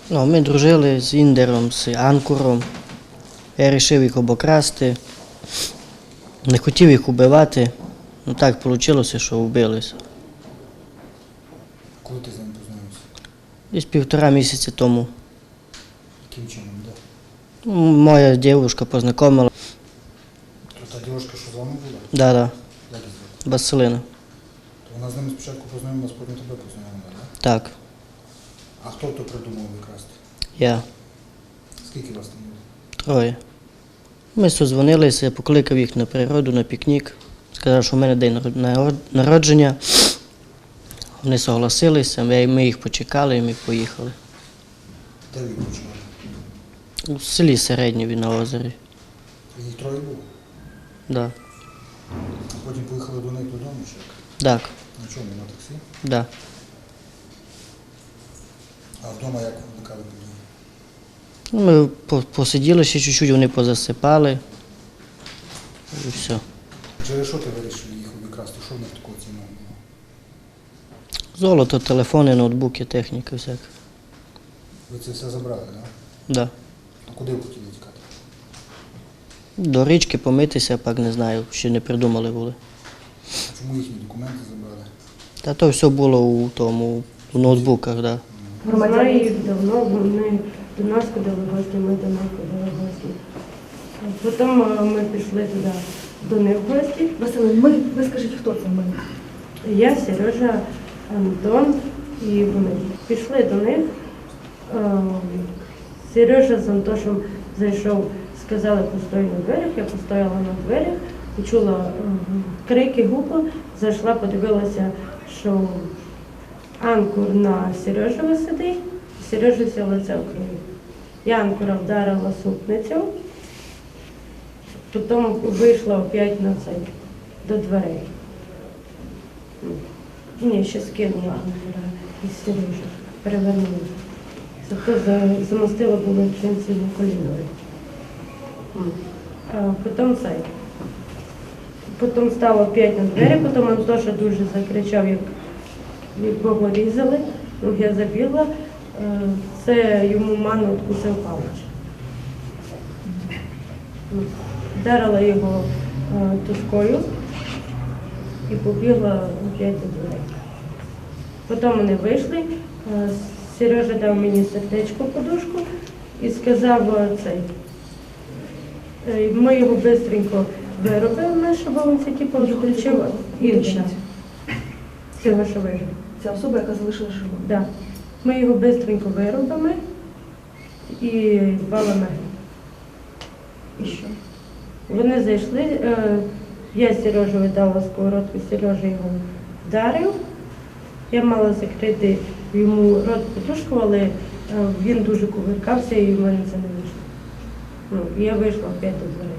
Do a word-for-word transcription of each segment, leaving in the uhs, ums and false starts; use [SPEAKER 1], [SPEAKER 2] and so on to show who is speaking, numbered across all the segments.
[SPEAKER 1] Ну, ми дружили з Індером, з Анкуром. Я вирішив їх обокрасти. Не хотів їх убивати. Ну так вийшло, що вбилися.
[SPEAKER 2] Коли ти з ним познайомився?
[SPEAKER 1] Десь півтора місяці тому.
[SPEAKER 2] Яким чином, де?
[SPEAKER 1] Ну, моя дівчинка познайомила.
[SPEAKER 2] То та дівчинка, що з вами була?
[SPEAKER 1] Да, да,
[SPEAKER 2] Як її звати?
[SPEAKER 1] Василина.
[SPEAKER 2] То вона з ними спочатку познайомилась, потім тебе познайомила, так?
[SPEAKER 1] Так,
[SPEAKER 2] А хто то придумав викрасти?
[SPEAKER 1] я.
[SPEAKER 2] Скільки вас там було?
[SPEAKER 1] Троє. Ми созвонилися, я покликав їх на природу, на пікнік. Сказав, що в мене день народ- народження. Вони согласилися, ми ми їх почекали і ми поїхали.
[SPEAKER 2] Де ви почали?
[SPEAKER 1] У селі Середньові на озері.
[SPEAKER 2] Їх троє було?
[SPEAKER 1] Да.
[SPEAKER 2] А потім поїхали до них додому, чи як?
[SPEAKER 1] Так,
[SPEAKER 2] На чому? На таксі?
[SPEAKER 1] да.
[SPEAKER 2] А вдома як виникали події?
[SPEAKER 1] Ну, ми по- посиділи ще чуть-чуть, вони позасипали. І все.
[SPEAKER 2] Через що ти вирішив їх обікрасти? Що в них такого цінного було?
[SPEAKER 1] Золото, телефони, ноутбуки, техніка всяка.
[SPEAKER 2] Ви це все забрали, так?
[SPEAKER 1] Да.
[SPEAKER 2] А куди ви хотіли тікати?
[SPEAKER 1] До річки помитися, пак не знаю, ще не придумали були.
[SPEAKER 2] А чому їхні документи забрали?
[SPEAKER 1] Та то все було у тому, у ноутбуках, да.
[SPEAKER 3] Знаю їх давно, вони до нас ходили в гості, ми до них ходили в гості. Потім е, ми пішли туди до них в гості.
[SPEAKER 4] Василин, ми, ви скажіть, хто це ми?
[SPEAKER 3] Я, Сережа, Антон і вони. Пішли до них. Е, Сережа з Антошем зайшов, сказали, постой на дверях. Я постояла на дверях, почула е, крики, гупа, зайшла, подивилася, що Анкур на Сережева сидить, Сережа все лице в крові. Я Анкура вдарила супницю, потім вийшла опять на цей, до дверей. Ні, ще скинула Анкура із Сережа, перевернула. Зато за- замостила було чинці на коліною. А потім цей. Потім стала опять на двері, потім Антоша дуже закричав, як якого різали, ну, я забігла, е, це йому ману відкусив палич. Ну, вдарила його е, тушкою і побігла опять до дверей. Потім вони вийшли, е, Сережа дав мені сердечко подушку і сказав е, цей. е, Ми його швидко виробили, щоб він це типу відключив і
[SPEAKER 4] Уточніть.
[SPEAKER 3] цього, що вижив.
[SPEAKER 4] Ця особа, яка залишила живу.
[SPEAKER 3] Да. Ми його швидко виробимо і валимо.
[SPEAKER 4] І що?
[SPEAKER 3] Вони зайшли, е, я Сережу видала сковородку, Сережа його вдарив. Я мала закрити йому рот подушку, але е, він дуже кувиркався і в мене це не вийшло. Ну, і я вийшла опять до дверей.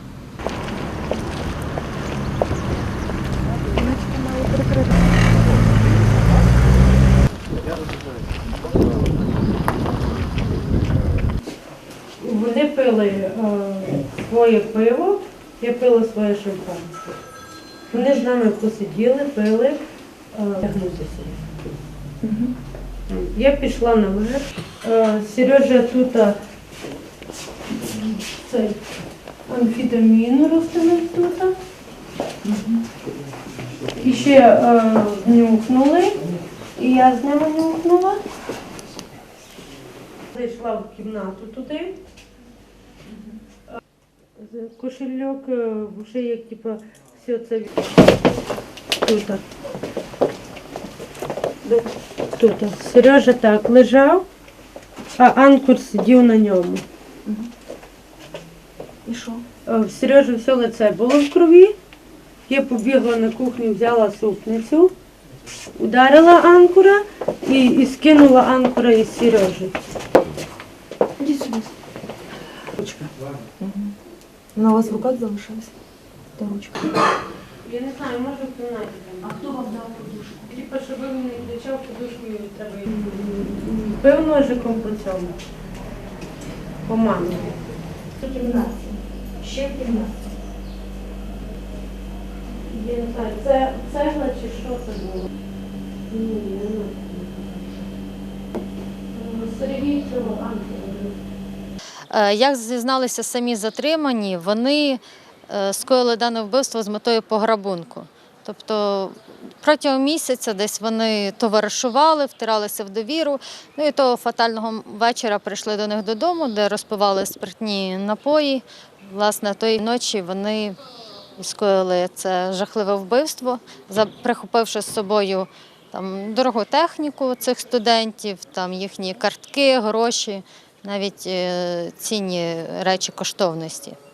[SPEAKER 3] Вони пили е, своє пиво, я пила своє шампанське. Вони з нами посиділи, пили, е, тягнутися. Я пішла наверх. Е, Сережа тут е, цей амфетамін розтинув тут. І ще е, нюхнули, і я з ними нюхнула. Зайшла в кімнату туди. З- Кошельок, е, вже як типу, все це тут. Тут. Сережа так лежав, а Анкур сидів на ньому.
[SPEAKER 4] І що?
[SPEAKER 3] Е, В Сережі все лице було в крові. Я побігла на кухню, взяла супницю, ударила Анкура і, і скинула Анкура із Сережі.
[SPEAKER 4] Ідіть сюди. Ручка. Вона у вас в руках залишилась? Та ручка.
[SPEAKER 3] Я не знаю, може в кімнаті.
[SPEAKER 4] А хто вам дав подушку?
[SPEAKER 3] Типа, щоб він не кричав, подушкою треба. Бив ножиком по цьому. По мамі.
[SPEAKER 4] В кімнаті. Ще в кімнаті.
[SPEAKER 3] Я не знаю, це цегла чи що це було? Ні, я не знаю. Сергій цього Андрій.
[SPEAKER 5] Е, Як зізналися самі затримані, вони е, скоїли дане вбивство з метою пограбунку. Тобто протягом місяця десь вони товаришували, втиралися в довіру. Ну і того фатального вечора прийшли до них додому, де розпивали спиртні напої. Власне, тої ночі вони скоїли це жахливе вбивство, за- прихопивши з собою там дорогу техніку цих студентів, там їхні картки, гроші, навіть е, цінні речі коштовності.